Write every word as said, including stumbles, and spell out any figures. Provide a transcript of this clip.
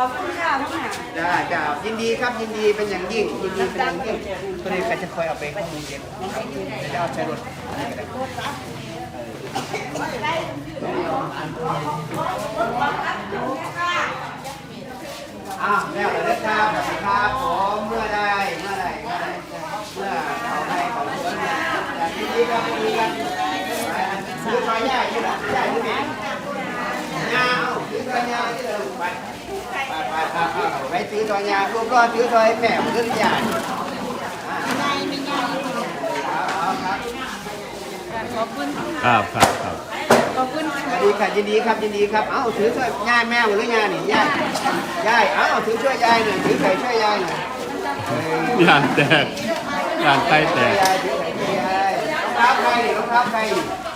อบคุณค่ะพ่อแม่จ้าจ้ายินดีครับยินดีเป็นอย่างยิ่งยินดีเป็นอย่างยิ่งตัวนี้ก็จะคอยเอาไปข้อมูลเย็นจะเอาใช้รถอ้าวแล้วเลยครับสวัสดีครับผมเมื่อใดเมื่อใดเมื่อใดเมื่อเอาให้ของสวนยินดีครับยินดีครับซื้อไฟใหญ่ที่ไหนใหญ่ที่ไหนยาวซื้อไฟยาวที่ไหนไปไปไปไปไปซื้อตัวยาวรวบรวมซื้อตัวแม่เรื่องใหญ่ครับขอบคุณครับครับครับขอบคุณสวัสดีค่ะยินดีครับยินดีครับเอ้าถือช่วยย่าแม่หรือยาหนิย่ายายเอ้าถือช่วยยายหน่อยถือใส่ช่วยยายหน่อยยางแตกยางไตแตช่วยกยายถือใส่ช่วยยายรองเท้าใครรองเท้าใคร